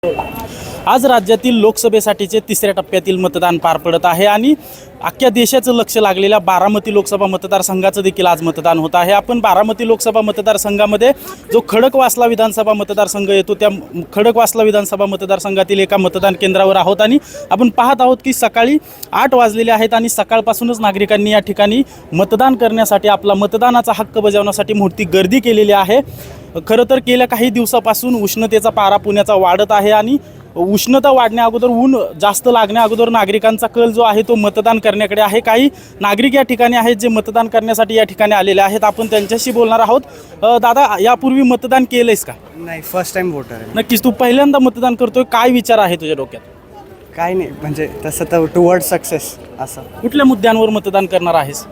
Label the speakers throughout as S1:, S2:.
S1: आज राज्यातील लोकसभेसाठीचे तिसऱ्या टप्प्यातील मतदान पार पडत आहे आणि अख्ख्या देशाचं लक्ष लागलेल्या बारामती लोकसभा मतदारसंघाचं देखील आज मतदान होत आहे। आपण बारामती लोकसभा मतदारसंघामध्ये जो खडकवासला विधानसभा मतदारसंघ येतो त्या खडकवासला विधानसभा मतदारसंघातील एका मतदान केंद्रावर आहोत आणि आपण पाहत आहोत की सकाळी 8 वाजलेले आहेत आणि सकाळपासूनच नागरिकांनी या ठिकाणी मतदान करण्यासाठी आपला मतदानाचा हक्क बजावण्यासाठी मोठी गर्दी केलेली आहे। खरं तर गेल्या काही दिवसापासून उष्णतेचा पारा पुण्याचा वाढत आहे आणि उष्णता वाढण्या अगोदर ऊन जास्त लागण्या अगोदर नागरिकांचा कल जो आहे तो मतदान करण्याकडे आहे। काही नागरिक या ठिकाणी आहेत जे मतदान करण्यासाठी या ठिकाणी आलेले आहेत। आपण त्यांच्याशी बोलणार आहोत। दादा, यापूर्वी मतदान केलंयस का?
S2: नाही, फर्स्ट टाइम वोटर आहे।
S1: नक्कीच, तू पहिल्यांदा मतदान करतोय, काय विचार आहे तुझ्या डोक्यात?
S2: काय नाही, म्हणजे तसं तर टुवर्ड सक्सेस असं।
S1: कुठल्या मुद्द्यांवर मतदान करणार आहेस?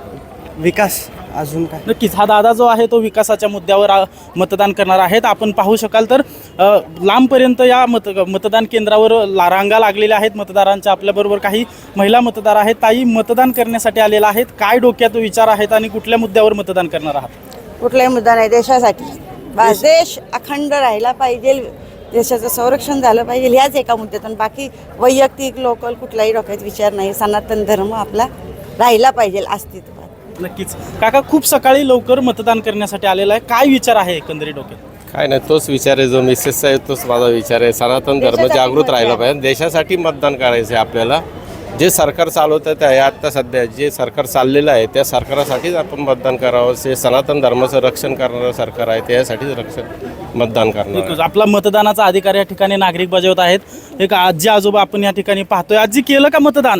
S2: विकास, अजून काय?
S1: नक्कीच, हा दादा जो आहे तो विकासाच्या मुद्द्यावर मतदान करणार आहेत। आपण पाहू शकाल तर लांबपर्यंत या मतदान केंद्रावर रांगा लागलेल्या आहेत मतदारांच्या। आपल्याबरोबर काही महिला मतदार आहेत। ताई, मतदान करण्यासाठी आलेला आहेत, काय डोक्यात विचार आहेत आणि कुठल्या मुद्द्यावर मतदान करणार आहात?
S3: कुठलाही मुद्दा नाही, देशासाठी बस। देश अखंड राहिला पाहिजे, देशाचं संरक्षण झालं पाहिजे, ह्याच एका मुद्द्यातून। बाकी वैयक्तिक लोकल कुठलाही डोक्यात विचार नाही। सनातन धर्म आपला राहिला पाहिजे अस्तित्वात।
S1: नक्कीच काका, खूप सकाळी लवकर मतदान करण्यासाठी आलेला आहे, काय विचार आहे एकंदरीत डोक्यात?
S4: काय नाही, तोच विचार आहे जो मिसेसचा आहे, तोच माझा विचार आहे। सनातन धर्म जागृत राहिला पाहिजे, देशासाठी मतदान करायचं आहे आपल्याला। जे सरकार चालवतं ते आहे, आत्ता सध्या जे सरकार चाललेलं आहे त्या सरकारासाठीच आपण मतदान करावं। जे सनातन धर्माचं रक्षण करणारं सरकार आहे त्यासाठीच मतदान करणार।
S1: आपला मतदानाचा अधिकार या ठिकाणी नागरिक बजावत आहेत। एक आजी आजोबा आपण या ठिकाणी पाहतोय। आजी, केलं का मतदान?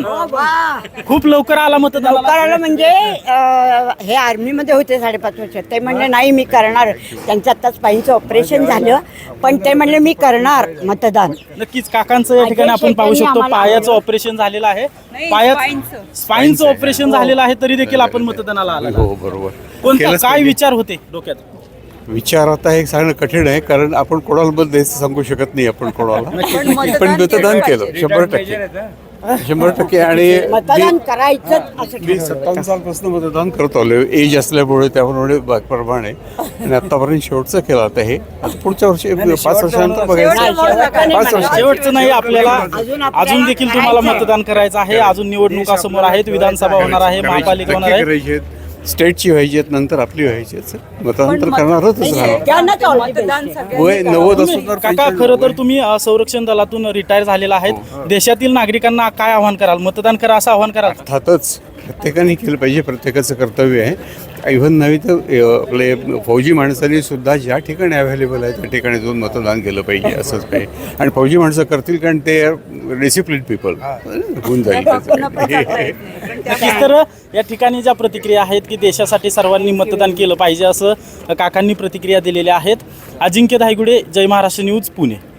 S1: खूप लवकर आला मतदान?
S5: करायला म्हणजे हे आर्मीमध्ये होते 5.5 वर्ष, ते म्हणले नाही मी करणार। त्यांचं आत्ताच स्पाईनचं ऑपरेशन झालं, पण ते म्हणले मी करणार मतदान।
S1: नक्कीच, काकांचं या ठिकाणी आपण पाहू शकतो पायाचं ऑपरेशन झालेलं आहे। स्पाईनचं ऑपरेशन झालेलं आहे तरी देखील आपण मतदानाला आला।
S6: हो, बरोबर।
S1: कोणता काय विचार होते डोक्यात?
S6: विचार आता हे सांगणं कठीण आहे, कारण आपण कोणाला मत द्यायचं सांगू शकत नाही आपण कोणाला। पण मतदान केलं 100%। आणि
S5: मतदान करायचं असं
S6: मी 57 सालपासून मतदान करत आलो, एज असल्यामुळे त्यामुळे प्रमाणे, आणि आतापर्यंत शेवटचं केलं आता हे। आता पुढच्या वर्षी 5 वर्षानंतर बघायचं। 5 वर्ष
S1: शेवटचं नाही, आपल्याला अजून देखील तुम्हाला मतदान करायचं आहे। अजून निवडणुका समोर आहेत, विधानसभा होणार आहे, महापालिका होणार आहे,
S6: स्टेटची व्हायची आहेत, नंतर आपली व्हायची आहेत। मतदान तर करणारच राहणार। वय 90 असून तर
S1: काका, खरं तर तुम्ही संरक्षण दलातून रिटायर झालेला आहेत। देशातील नागरिकांना काय आव्हान कराल? मतदान करा असं आव्हान कराल?
S6: अर्थातच प्रत्येकाने केलं पाहिजे, प्रत्येकाचं कर्तव्य आहे। इव्हन नव्हे तर आपले फौजी माणसांनी सुद्धा ज्या ठिकाणी अवेलेबल आहे त्या ठिकाणी जाऊन मतदान केलं पाहिजे, असंच काही। आणि फौजी माणसं करतील, कारण ते डिसिप्लिन पीपल होऊन जाईल।
S1: नक्कीच, तर या ठिकाणी ज्या प्रतिक्रिया आहेत की देशासाठी सर्वांनी मतदान केलं पाहिजे असं काकांनी प्रतिक्रिया दिलेल्या आहेत। अजिंक्य धायगुडे, जय महाराष्ट्र न्यूज, पुणे।